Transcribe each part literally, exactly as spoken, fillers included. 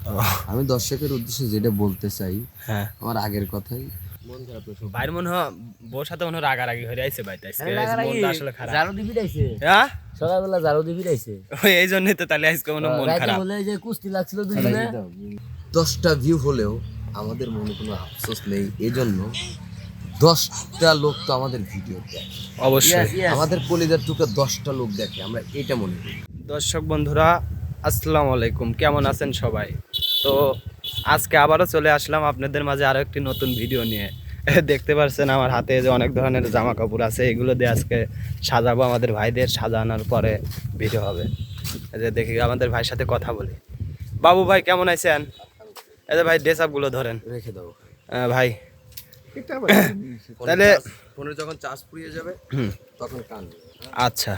আমি দর্শকের উদ্দেশ্যে যেটা বলতে চাই, হ্যাঁ আমার আগের কথাই মন খারাপ। ভাইয়ের মনে হয় বউর সাথে মনে হয় রাগারাগি হয়ে আইছে ভাই, তাই আজকে মনটা আসলে খারাপ। জারো দিবি রাইছে হ্যাঁ সকালবেলা জারো দিবি রাইছে ওই এই জন্যই তো তাহলে আজকে মনে হয় মন রাইতে খারাপ। বলে যে কুস্তি লাগছিল দুজনে দশটা ভিউ হলেও আমাদের মনে কোনো আফসোস নেই, এজন্য দশটা লোক তো আমাদের ভিডিও দেখে, অবশ্যই আমাদের কলিজার টুকে দশটা লোক দেখে, আমরা এটা মনে করি। দর্শক বন্ধুরা আসসালামু আলাইকুম, কেমন আছেন সবাই? তো আজকে আবারও চলে আসলাম আপনাদের মাঝে আরো একটি নতুন ভিডিও নিয়ে। দেখতে পাচ্ছেন আমার হাতে যে অনেক ধরনের জামা কাপড় আছে, এগুলো দিয়ে আজকে সাজাবো আমাদের ভাইদের। সাজানোর পরে ভিডিও হবে। এই যে দেখি আমাদের ভাইয়ের সাথে কথা বলি। বাবু ভাই কেমন আছেন? এই যে ভাই ড্রেস আপগুলো ধরেন রেখে দাও আহ, ভাই তাহলে ফোনে যখন চার্জ ফুরিয়ে যাবে তখন কান। আচ্ছা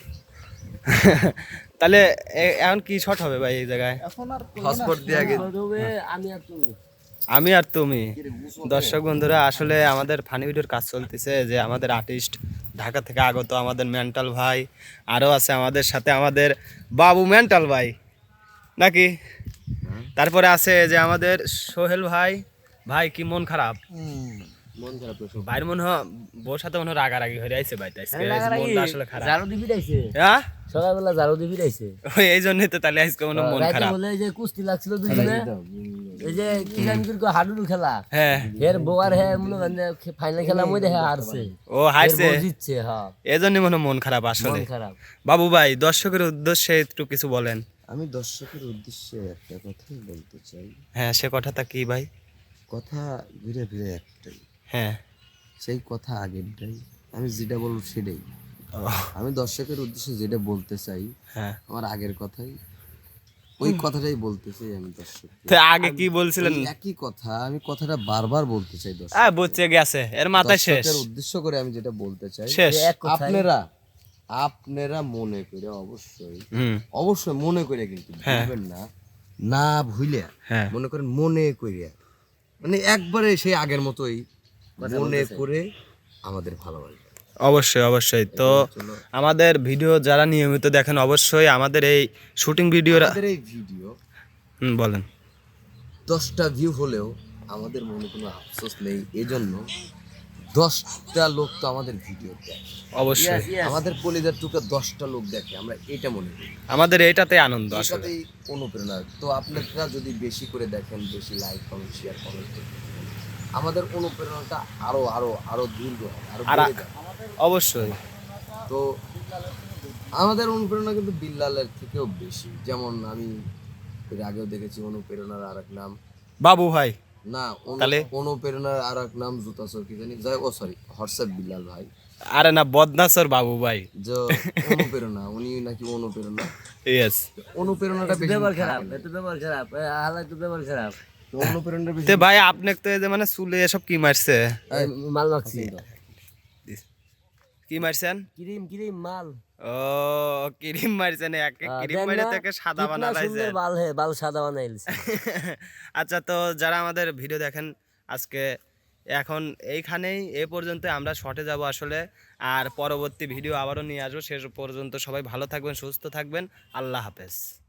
তাহলে এ- এখন কি শট হবে ভাই এই জায়গায়? হটস্পট দিয়ে আগে আমি আর তুমি আমি আর তুমি। দর্শক বন্ধুরা আসলে আমাদের ফানি ভিডিওর কাজ চলতেছে, যে আমাদের আর্টিস্ট ঢাকা থেকে আগত আমাদের মেন্টাল ভাই, আরও আছে আমাদের সাথে আমাদের বাবু মেন্টাল ভাই নাকি, তারপরে আছে যে আমাদের সোহেল ভাই। ভাই কি মন খারাপ? মন খারাপ। ভাইয়ের মনে হয় বউর সাথে মনে হয় রাগারাগি হয়ে আইছে ভাই, তাই আজকে মনটা আসলে খারাপ। জারো দিবি রাইছে হ্যাঁ সকালবেলা জারো দিবি রাইছে ওই এই জন্যই তো তাহলে আজকে মনে হয় মন রাইতে খারাপ। বলে যে কুস্তি লাগছিল দুজনে এই যে কি জানি কি হাডুডু খেলা হ্যাঁ এর বউয়ার হে মনে মানে ফাইনাল খেলা মধ্যে হে হারছে ও হারছে, এর বউ জিতছে হ্যাঁ এই জন্যই মনে হয় মন খারাপ আসলে। মন খারাপ বাবু ভাই দর্শকের উদ্দেশ্যে একটু কিছু বলেন। আমি দর্শকের উদ্দেশ্যে একটা কথাই বলতে চাই। হ্যাঁ সে কথাটা কি ভাই? কথা ঘুরে ফিরে একটাই, হ্যাঁ সেই কথা আগেরটাই, আমি যেটা বলবো সেটাই। আমি দর্শকের উদ্দেশ্যে যেটা বলতে চাই, হ্যাঁ আমার আগের কথাই, ওই কথাটাই বলতে চাই আমি দর্শক। তো আগে কি বলছিলেন? একই কথা, আমি কথাটা বারবার বলতে চাই দর্শক। হ্যাঁ বুঝছে গেছে, এর মাথায় শেষ দর্শকের উদ্দেশ্য করে আমি যেটা বলতে চাই, শেষ। এক কথায় আপনারা আপনারা মনে করে অবশ্যই হুম অবশ্যই মনে করে, কিন্তু হ্যাঁ। ভুলবেন না, না ভুলে হ্যাঁ মনে করেন মনে করিয়া, মানে একবারে সেই আগের মতোই মনে করে আমাদের ভালোবাসা। অবশ্যই অবশ্যই। তো আমাদের ভিডিও যারা নিয়মিত দেখেন অবশ্যই আমাদের এই শুটিং ভিডিওরা। আমাদের এই ভিডিও হুম বলেন। দশটা ভিউ হলেও আমাদের মনে কোনো আফসোস নেই, এজন্য দশটা লোক তো আমাদের ভিডিও দেখে, অবশ্যই আমাদের কলিজার টুকে দশটা লোক দেখে, আমরা এটা মনে করি। আমাদের এইটাতে আনন্দ আসলে। এটাতেই অনুপ্রেরণা। তো আপনারা যদি বেশি করে দেখেন, বেশি লাইক কমেন্ট শেয়ার কমেন্ট করতে থাকেন, আমাদের অনুপ্রেরণাটা আরো আরো আরো দীর্ঘ হয়, আরো আর বেড়ে যায়। অবশ্যই তো আমাদের অনুপ্রেরণা কিন্তু বিল্লালের থেকেও বেশি। যেমন আমি এর আগেও দেখেছি অনুপ্রেরণার আর এক নাম বাবু ভাই। না, অনু- তাহলে? অনুপ্রেরণার আর এক নাম জুতা সর কি জানি যাই, ও সরি হোয়াটসঅ্যাপ বিল্লাল ভাই, আরে না বদনাসর বাবু ভাই। যে অনুপ্রেরণা, উনি নাকি অনুপ্রেরণা। ইয়েস। অনুপ্রেরণাটা বেশি ব্যবহার থাকে খারাপ না। এত ব্যবহার খারাপ আলা তো ব্যবহার খারাপ তো অনুপ্রেরণাটা বেশি তে ভাই আপনি তো এই যে মানে চুলে এসব কি মারছে? এই মাল মাখছি কি মারছেন? ক্রিম ক্রিম মাল ও ক্রিম মারছেন, এক আহ, ক্রিম দেন মারে না, থেকে সাদা কিতনা বানা লাইছে। সুন্দর বাল হে বাল সাদা বানাইলছে আচ্ছা তো যারা আমাদের ভিডিও দেখেন আজকে এখন এইখানেই এ পর্যন্ত, আমরা শর্টে যাব আসলে, আর পরবর্তী ভিডিও আবারও নিয়ে আসবো। শেষ পর্যন্ত সবাই ভালো থাকবেন, সুস্থ থাকবেন, আল্লাহ হাফেজ।